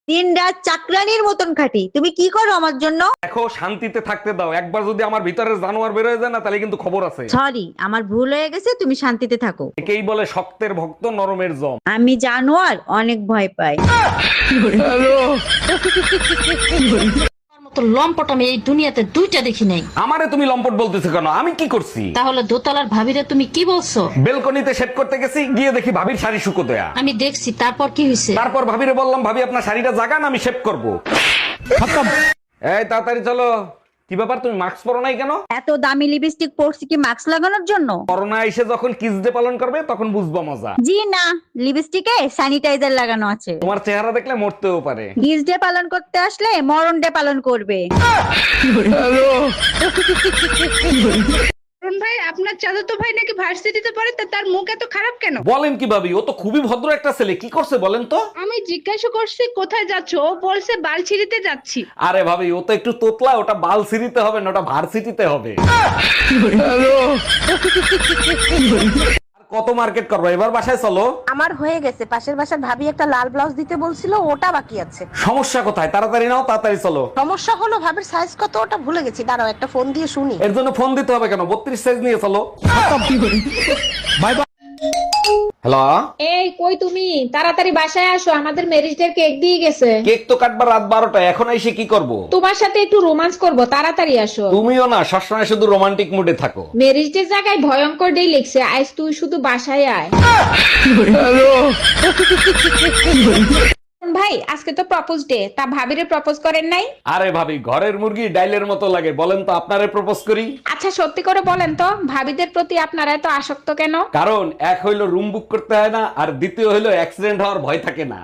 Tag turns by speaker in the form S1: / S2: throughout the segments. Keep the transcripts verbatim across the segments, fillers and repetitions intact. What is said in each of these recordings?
S1: দিন রাত চাকরানির মতন খাটি। তুমি কি করো আমার জন্য?
S2: দেখো, শান্তিতে থাকতে দাও। একবার যদি আমার ভিতরে জানোয়ার বের হয়ে যায় না, তাহলে কিন্তু খবর আছে।
S1: সরি, আমার ভুল হয়ে গেছে, তুমি শান্তিতে থাকো।
S2: একেই বলে শক্তের ভক্ত নরমের জম।
S1: আমি জানোয়ার অনেক ভয় পাই।
S3: মতো লম্পট আমি এই দুনিয়াতে দুইটা দেখি নাই।
S2: আমারে তুমি লম্পট বলতেছো কেন? আমি কি করছি?
S3: তাহলে দোতলার ভাবিরে তুমি কি বলছো?
S2: বেলকনিতে শেভ করতে গেছি, গিয়ে দেখি ভাবির শাড়ি শুকো দেয়া।
S3: আমি দেখছি, তারপর কি হয়েছে?
S2: তারপর ভাবিরে বললাম, ভাবি আপনার শাড়িটা জাগান, আমি শেভ করবো। এই তাড়াতাড়ি চলো। কি ব্যাপার, তুমি মাস্ক পরো নাই কেন?
S1: এত দামি লিপস্টিক পরছি কি মাস্ক লাগানোর জন্য?
S2: করোনা এসে যখন কিস ডে পালন করবে তখন বুঝবা মজা।
S1: জি না, লিপস্টিকে স্যানিটাইজার লাগানো আছে।
S2: তোমার চেহারা দেখলে মরতেও পারে।
S1: গিজ ডে পালন করতে আসলে মরণ ডে পালন করবে।
S4: অরুণ ভাই, আপনার চাচাতো ভাই নাকি ভার্সিটিতে পড়ে, তা তার মুখ এত খারাপ কেন?
S2: বলেন কি ভাবি, ও তো খুবই ভদ্র একটা ছেলে। কি করছে বলেন তো?
S4: আমি জিজ্ঞাসা করছি কোথায় যাচ্ছ, ও বলছে বালছিড়িতে যাচ্ছি।
S2: আরে ভাবি, ও তো একটু তোতলা, ওটা বাল সিটিতে হবে না, ওটা ভার্সিটিতে হবে। আর কত মার্কেট করবো, এবার বাসায় চলো।
S5: আমার হয়ে গেছে, পাশের বাসার ভাবি একটা লাল ব্লাউজ দিতে বলছিল, ওটা বাকি আছে।
S2: সমস্যা কোথায়? তাড়াতাড়ি নাও, তাড়াতাড়ি চলো।
S5: সমস্যা হলো ভাবির সাইজ কত ওটা ভুলে গেছি, দাঁড়াও একটা ফোন দিয়ে শুনি।
S2: এর জন্য ফোন দিতে হবে কেন? বত্রিশ সাইজ নিয়ে চলো। Bye bye. হ্যালো,
S6: এই কই তুমি? তাড়াতাড়ি বাসায় আসো, আমাদের ম্যারেজ ডে কেক দিয়ে গেছে।
S2: কেক তো কাটবার রাত বারোটা, এখন এসে কি করব?
S6: তোমার সাথে একটু রোমান্স করব, তাড়াতাড়ি আসো।
S2: তুমিও না সবসময় শুধু রোমান্টিক মুডে থাকো।
S6: ম্যারেজ ডে জায়গায় ভয়ঙ্কর ডে লিখছে, আজ তুই শুধু বাসায় আয়। ভাই, আজকে তো প্রপোজ ডে, তা ভাবিরে প্রপোজ করেন নাই?
S2: আরে ভাবি, ঘরের মুরগি ডাইলের মতো লাগে। বলেন তো, আপনারে প্রপোজ করি?
S6: আচ্ছা সত্যি করে বলেন তো, ভাবিদের প্রতি আপনারা এত আসক্ত কেন?
S2: কারণ এক হইলো রুম বুক করতে হয় না, আর দ্বিতীয় হইলো অ্যাক্সিডেন্ট হওয়ার ভয় থাকে না।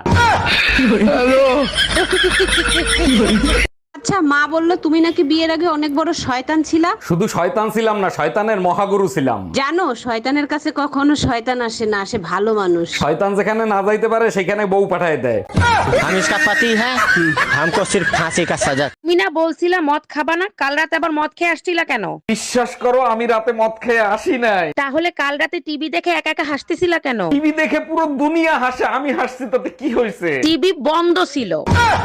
S5: আচ্ছা, মা বললো তুমি নাকি বিয়ের আগে অনেক বড় শয়তান ছিলা।
S2: শুধু শয়তান ছিলাম না, শয়তানের মহাগুরু ছিলাম।
S5: জানো, শয়তানের কাছে কখনো শয়তান আসে না, আসে ভালো মানুষ।
S2: শয়তান যেখানে না যাইতে পারে সেখানে বউ পাঠায় দেয়।
S7: हम इसका पति है, हमको सिर्फ फांसी का सजा।
S5: তুমি না বলছিলা মদ খাবা না, কাল রাতে আবার মদ খেয়ে আসছিলা কেন?
S2: বিশ্বাস করো, আমি রাতে মদ খেয়ে আসি নাই।
S5: তাহলে কাল রাতে টিভি দেখে একা একা হাসতেছিলা কেন?
S2: টিভি দেখে পুরো দুনিয়া হাসে, আমি হাসছি তাতে কি হয়েছে?
S5: টিভি বন্ধ ছিল।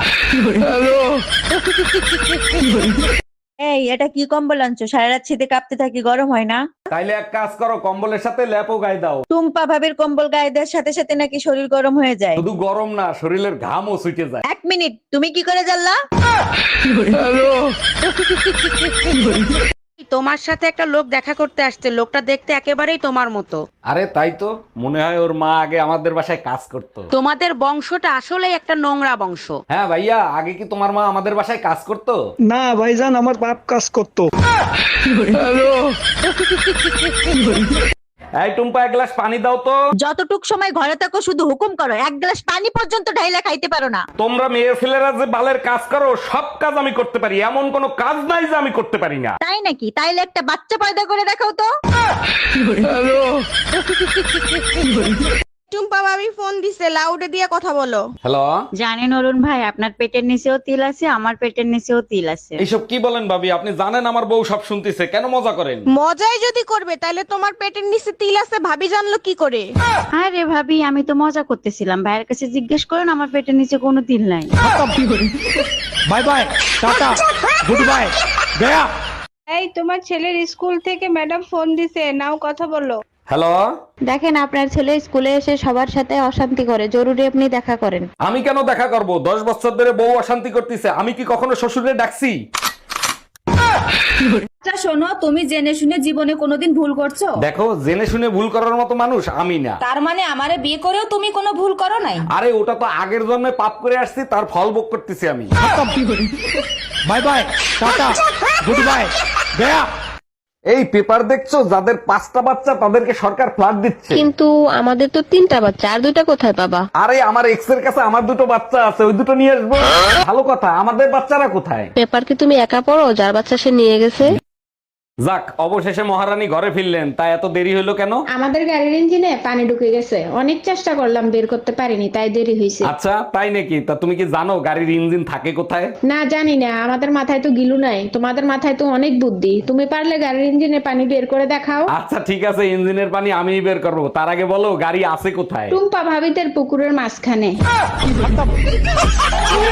S1: এই, এটা কি কম্বল আনছো? সারা রাত শীতে কাঁপতে থাকি, গরম হয় না?
S2: তাইলে এক কাজ করো, কম্বলের সাথে ল্যাপও গায়ে দাও।
S1: টুম্পা ভাবের কম্বল গায়ে দেওয়ার সাথে সাথে নাকি শরীর গরম হয়ে যায়।
S2: শুধু গরম না, শরীরের ঘামও ছুটে যায়।
S1: এক মিনিট, তুমি কি করে জানলা?
S5: তোমার সাথে একটা লোক দেখা করতে আসছে, লোকটা দেখতে একেবারেই তোমার মতো।
S2: আরে তাই তো, মনে হয় ওর মা আগে আমাদের বাসায় কাজ করতো।
S5: তোমাদের বংশটা আসলে একটা নোংরা বংশ।
S2: হ্যাঁ ভাইয়া, আগে কি তোমার মা আমাদের বাসায় কাজ করতো?
S8: না ভাইজান, আমার বাপ কাজ করতো।
S2: এই টুম্পা, এক গ্লাস পানি দাও তো।
S1: যতটুক সময় ঘরে থাকো শুধু হুকুম করো, এক গ্লাস পানি পর্যন্ত ঢাইলা খাইতে পারো না।
S2: তোমরা মেয়ে ছেলেরা যে বালের কাজ করো, সব কাজ আমি করতে পারি, এমন কোনো কাজ নাই যে আমি করতে পারি না।
S1: তাই নাকি? তাইলে একটা বাচ্চা পয়দা করে দেখাও তো।
S9: টুম্পা ভাবি ফোন দিছে, লাউডে দিয়ে কথা বলো।
S2: হ্যালো,
S1: জানেন অরুণ ভাই, আপনার পেটের নিচেও তিল আছে, আমার পেটের নিচেও তিল আছে।
S2: এইসব কি বলেন ভাবি? আপনি জানেন আমার বউ সব শুনতেছে, কেন মজা করেন?
S9: মজাই যদি করবে তাহলে তোমার পেটের নিচে তিল আছে ভাবি জানলো কি করে?
S1: আরে ভাবি, আমি তো মজা করতেছিলাম। ভাইয়ের কাছে জিজ্ঞেস করেন, আমার পেটের নিচে কোনো তিল নাই।
S7: Bye bye, tata, goodbye, गया।
S4: এই, তোমার ছেলের স্কুল থেকে ম্যাডাম ফোন দিছে, নাও কথা বলো।
S2: হ্যালো,
S6: দেখেন, আপনার ছেলে স্কুলে এসে সবার সাথে অশান্তি করে, জরুরি আপনি দেখা করেন।
S2: আমি কেন দেখা করব? দশ বছর ধরে বউ অশান্তি করতেছে, আমি কি কখনো শ্বশুরে ডাকছি?
S1: আচ্ছা শোনো, তুমি জেনে শুনে জীবনে কোনোদিন ভুল করছো?
S2: দেখো, জেনে শুনে ভুল করার মতো মানুষ আমি না।
S1: তার মানে আমারে বিয়ে করেও তুমি কোনো ভুল করো নাই?
S2: আরে ওটা তো আগের জন্মে পাপ করে আসছি, তার ফল ভোগ করতেছি আমি।
S7: Bye bye, tata, goodbye, गया।
S2: এই পেপার দেখছো, যাদের পাঁচটা বাচ্চা তাদেরকে সরকার ফ্ল্যাট দিচ্ছে।
S6: কিন্তু আমাদের তো তিনটা বাচ্চা, আর দুইটা কোথায় পাবা?
S2: আরে আমার এক্স এর কাছে আমার দুটো বাচ্চা আছে, ওই দুটো নিয়ে আসবো। ভালো কথা, আমাদের বাচ্চারা কোথায়?
S6: পেপার কি তুমি একা পড়ো? যার বাচ্চা সে নিয়ে গেছে।
S2: যাক, অবশেষে মহারানী ঘরে ফিরলেন, তা এত দেরি হলো কেন?
S6: আমাদের গাড়ির ইঞ্জিনে পানি ঢুকে গেছে, অনেক চেষ্টা করলাম, বের করতে পারিনি, তাই দেরি হয়েছে।
S2: আচ্ছা তাই নাকি? তা তুমি কি জানো গাড়ির ইঞ্জিন থাকে কোথায়?
S6: না জানি না, আমাদের মাথায় তো গিলু নাই, তোমাদের মাথায় তো অনেক বুদ্ধি, তুমি পারলে গাড়ির ইঞ্জিনে পানি বের করে দেখাও।
S2: আচ্ছা ঠিক আছে, ইঞ্জিনের পানি আমিই বের করবো। তার আগে বলো গাড়ি আছে কোথায়?
S6: টুম্পা ভাবিদের পুকুরের মাঝখানে।